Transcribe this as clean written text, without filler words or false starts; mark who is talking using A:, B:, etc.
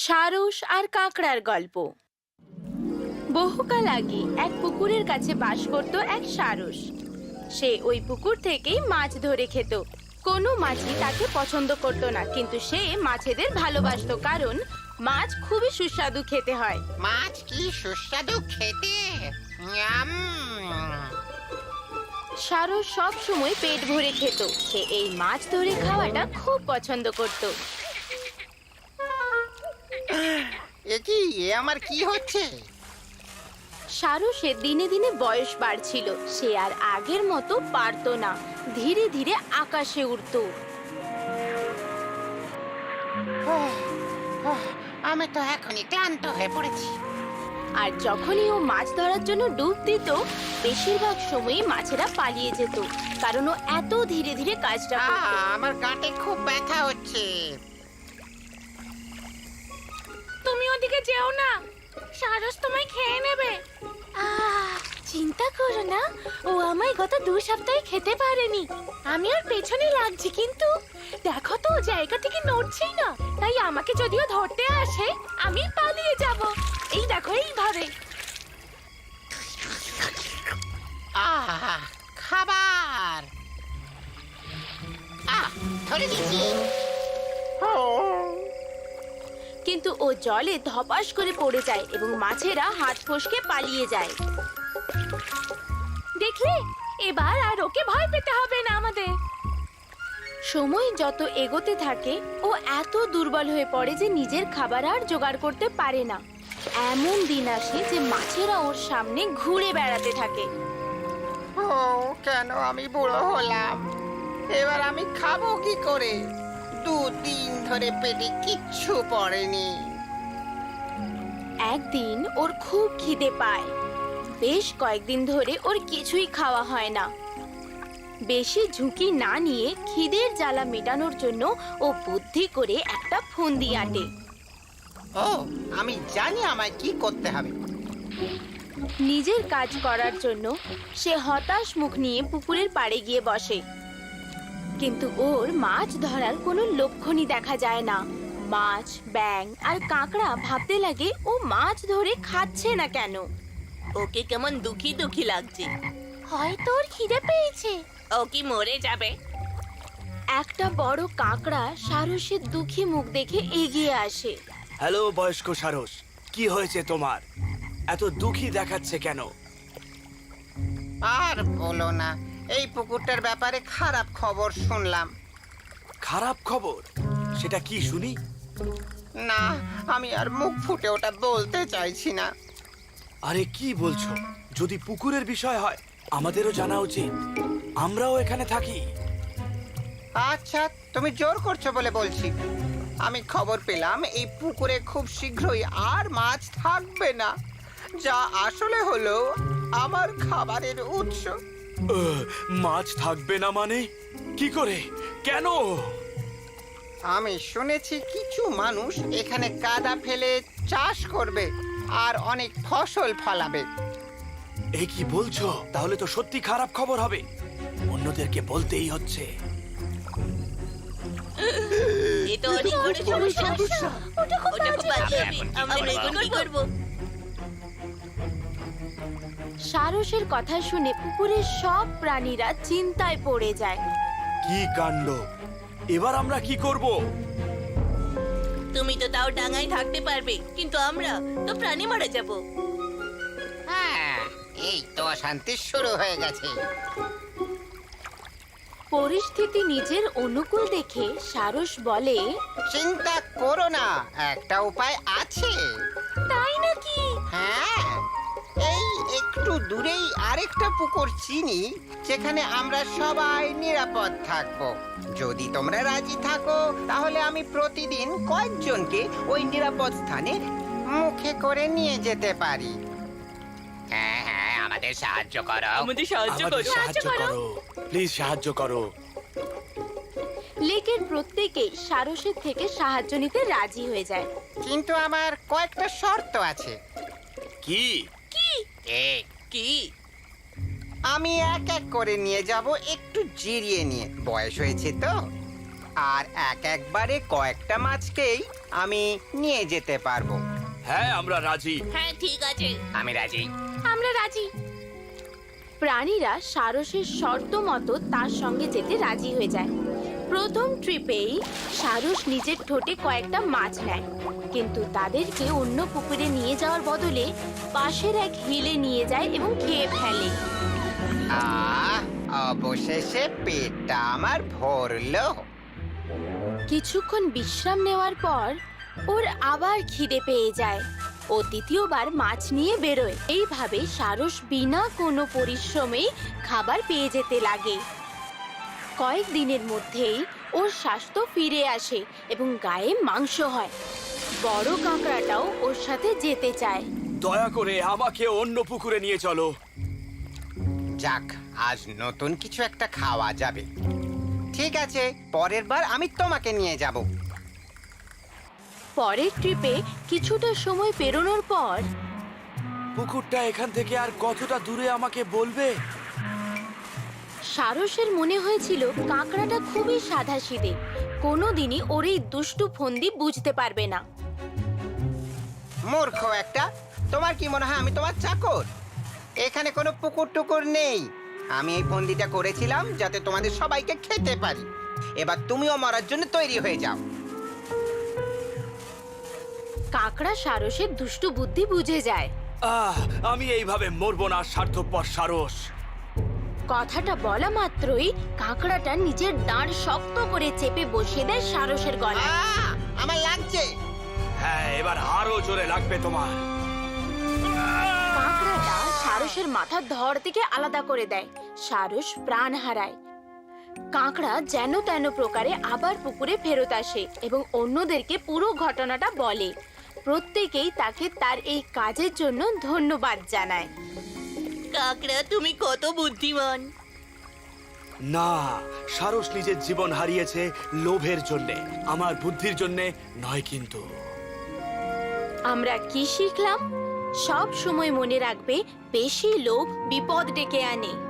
A: সারস আর কাঁকড়ার গল্প। বহুকাল আগে এক পুকুরের কাছে বাস করত এক সারস। সে ওই পুকুর থেকেই মাছ ধরে খেত। কোনো মাছই তাকে পছন্দ করত না, কিন্তু সে মাছেদের ভালোবাসতো, কারণ মাছ খুবই সুস্বাদু খেতে হয়।
B: মাছ কি সুস্বাদু খেতে! ইয়াম!
A: সারস সব সময় পেট ভরে খেত। সে এই মাছ ধরে খাওয়াটা খুব পছন্দ করত।
B: এ আমার কি হচ্ছে?
A: সারসের দিনে দিনে বয়স বাড়ছিল। সে আর আগের মতো পারতো না। ধীরে ধীরে আকাশে উড়ত।
B: আমি তো এখনই ক্লান্ত হয়ে পড়েছি।
A: আর যখনই ও মাছ ধরার জন্য ডুব দিত, বেশিরভাগ সময়ই মাছেরা পালিয়ে যেত, কারণ ও এত ধীরে ধীরে কাজটা করত।
B: আমার গাঁটে খুব ব্যথা হচ্ছে।
A: তুমি ওদিকে যেও না, সারস তোমায় খেয়ে নেবে। চিন্তা করো না, ও আমায় গত 2 সপ্তাহে খেতে পারেনি। আমি ওর পেছনে লাগছি, কিন্তু দেখো তো জায়গা থেকে নড়ছেই না। তাই আমাকে যদিও ধরতে আসে, আমি পালিয়ে যাব। এই দেখো, এইভাবে।
B: খাবার! ধরে দিচ্ছি।
A: কিন্তু ও জলে ধপাস করে পড়ে যায় এবং মাছেরা হাত ফসকে পালিয়ে যায়। দেখলে, এবার আর ওকে ভয় পেতে হবে না আমাদের। সময় যত এগোতে থাকে, ও এত দুর্বল হয়ে পড়ে যে নিজের খাবার আর জোগাড় করতে পারে না। এমন দিন আসে যে মাছেরা ওর সামনে ঘুরে বেড়াতে থাকে।
B: কেন আমি বুড়ো হলাম? এবার আমি খাবো কি করে? 2 দিন ধরে পেটে কিচ্ছু পড়েনি।
A: একদিন ওর খুব খিদে পায়। বেশ কয়েকদিন ধরে ওর কিছুই খাওয়া হয় না। বেশি ঝুঁকি না নিয়ে খিদের জ্বালা মেটানোর জন্য ও বুদ্ধি করে একটা ফন্দি আঁটে।
B: আমি জানি আমায় কি করতে হবে।
A: নিজের কাজ করার জন্য সে হতাশ মুখ নিয়ে পুকুরের পাড়ে গিয়ে বসে। কিন্তু ওর মাছ ধরার কোনো লক্ষণই দেখা যায় না। মাছ, ব্যাঙ আর কাঁকড়া ভাবতে লাগে ও মাছ ধরে খাচ্ছে না কেন।
C: ওকে কেমন দুঃখী দুঃখী লাগছে।
A: হয়তো ওর খিদে পেয়েছে।
C: ও কি মরে যাবে?
A: একটা বড় কাঁকড়া সারসের দুঃখী মুখ দেখে এগিয়ে আসে।
D: হ্যালো বয়স্ক সারস, কি হয়েছে তোমার? এত দুঃখী দেখাচ্ছে কেন?
B: আর বলো না, এই পুকুরটার ব্যাপারে খারাপ খবর শুনলাম।
D: খারাপ খবর? সেটা কি শুনি?
B: না, আমি আর মুখ ফুটে ওটা বলতে চাইছি না।
D: আরে কি বলছো? যদি পুকুরের বিষয় হয় আমাদেরও জানা উচিত। আমরাও এখানে থাকি।
B: আচ্ছা, তুমি জোর করছো বলে বলছি। আমি খবর পেলাম এই পুকুরে খুব শীঘ্রই আর মাছ থাকবে না, যা আসলে হলো আমার খাবারের উৎস।
D: মাছ থাকবে না মানে? কি করে? কেন?
B: আমি শুনেছি কিছু মানুষ এখানে কাদা ফেলে চাষ করবে আর অনেক ফসল ফলাবে।
D: এ কি বলছো? তাহলে তো সত্যি খারাপ খবর হবে। অন্যদেরকে বলতেই হচ্ছে।
C: এ তো অনেক বড় সমস্যা। ওটা খুব বাজে হবে। আমরা এখন কি করব?
A: সারসের কথা শুনে পুকুরের সব প্রাণীরা চিন্তায় পড়ে যায়।
D: কি কাণ্ড! এবার আমরা কি করব?
C: তুমি তো তাও ডাঙায় থাকতে পারবে, কিন্তু আমরা তো প্রাণী মারা যাব।
B: এই তো অশান্তি শুরু হয়ে গেছে।
A: পরিস্থিতি নিজের অনুকূল দেখে সারস বলে,
B: চিন্তা করো না, একটা উপায় আছে।
A: তাই নাকি?
B: হ্যাঁ, এই একটু দূরেই আরেকটা পুকুর চিনি, যেখানে আমরা সবাই নিরাপদ থাকবো। যদি তোমরা রাজি থাকো, তাহলে আমি প্রতিদিন কয়েকজনকে ওই নিরাপদ স্থানে মুখে করে নিয়ে যেতে পারি। হ্যাঁ, আমাদের সাহায্য করো।
C: আমাদের সাহায্য
D: আমাদের
C: করো।
D: সাহায্য করো, প্লিজ সাহায্য করো।
A: লেকের প্রত্যেকেই সারসের থেকে সাহায্য নিতে রাজি হয়ে যায়।
B: কিন্তু আমার কয়েকটা শর্ত আছে।
D: কি?
C: কি?
B: আমি এক এক করে নিয়ে যাব, একটু জিরিয়ে নিয়ে। বয়স হয়েছে তো। আর একবারে কয়েকটা মাছকেই আমি নিয়ে যেতে পারবো।
D: হ্যাঁ, আমরা রাজি।
C: হ্যাঁ ঠিক আছে।
B: আমি রাজি।
A: আমরা রাজি। প্রাণীরা সারসের শর্ত মতো তার সঙ্গে যেতে রাজি হয়ে যায়। প্রথম ট্রিপেই সারস নিজের ঠোঁটে কয়েকটা মাছ নেয়, কিন্তু তাদেরকে অন্য পুকুরে নিয়ে যাওয়ার বদলে পাশের এক হিলে নিয়ে যায় এবং খেয়ে ফেলে।
B: অবশেষে পেটটা আমার ভরলো।
A: কিছুক্ষণ বিশ্রাম নেওয়ার পর ওর আবার খিদে পেয়ে যায়। ও দ্বিতীয়বার মাছ নিয়ে বেরোয়। এইভাবে সারস বিনা কোনো পরিশ্রমেই খাবার পেয়ে যেতে লাগে। কয়েকদিনের মধ্যেই ওর স্বাস্থ্য ফিরে আসে এবং গায়ে মাংস হয়। বড় কাঁকড়াটাও ওর সাথে যেতে চায়।
D: দয়া করে আমাকে অন্য পুকুরে নিয়ে চলো।
B: যাক, আজ নতুন কিছু একটা খাওয়া যাবে। ঠিক আছে, পরের বার আমি তোমাকে নিয়ে যাব।
A: পরের ট্রিপে কিছুটা সময় পেরোনোর পর
D: পুকুরটা এখান থেকে আর কতটা দূরে আমাকে বলবে?
A: সারসের মনে হয়েছিল কাঁকড়াটা খুবই সাধাসিধে, কোনোদিনই ওর এই দুষ্টু ফন্দি বুঝতে পারবে না।
B: মূর্খ একটা! তোমার কি মনে হয় আমি তোমার চাকর? এখানে কোনো পুকুর টুকুর নেই। আমি এই ফন্দিটা করেছিলাম যাতে তোমাদের সবাইকে খেতে পারি। এবার তুমিও মরার জন্য তৈরি হয়ে যাও।
A: কাঁকড়া সারসের দুষ্টু বুদ্ধি বুঝে যায়।
D: আমি এইভাবে মরবো না, স্বার্থপর সারস।
A: কথাটা বলা মাত্রই কাঁকড়াটা নিজের দাঁড় শক্ত করে চেপে বসিয়ে দেয় সারসের গলায়।
B: আমার লাগছে।
D: হ্যাঁ, এবার আরো জোরে লাগবে তোমার।
A: কাঁকড়াটা সারসের মাথার ধড় থেকে আলাদা করে দেয়। সারস প্রাণ হারায়। কাঁকড়া যেন তেন প্রকারে আবার পুকুরে ফেরত আসে এবং অন্যদেরকে পুরো ঘটনাটা বলে। প্রত্যেকেই তাকে তার এই কাজের জন্য ধন্যবাদ জানায়।
C: কাকড়া, তুমি কত বুদ্ধিমান।
D: না, সারস নিজের জীবন হারিয়েছে লোভের জন্যে, আমার বুদ্ধির জন্যে নয়। কিন্তু
A: আমরা কি শিখলাম? সব সময় মনে রাখবে, বেশি লোভ বিপদ ডেকে আনে।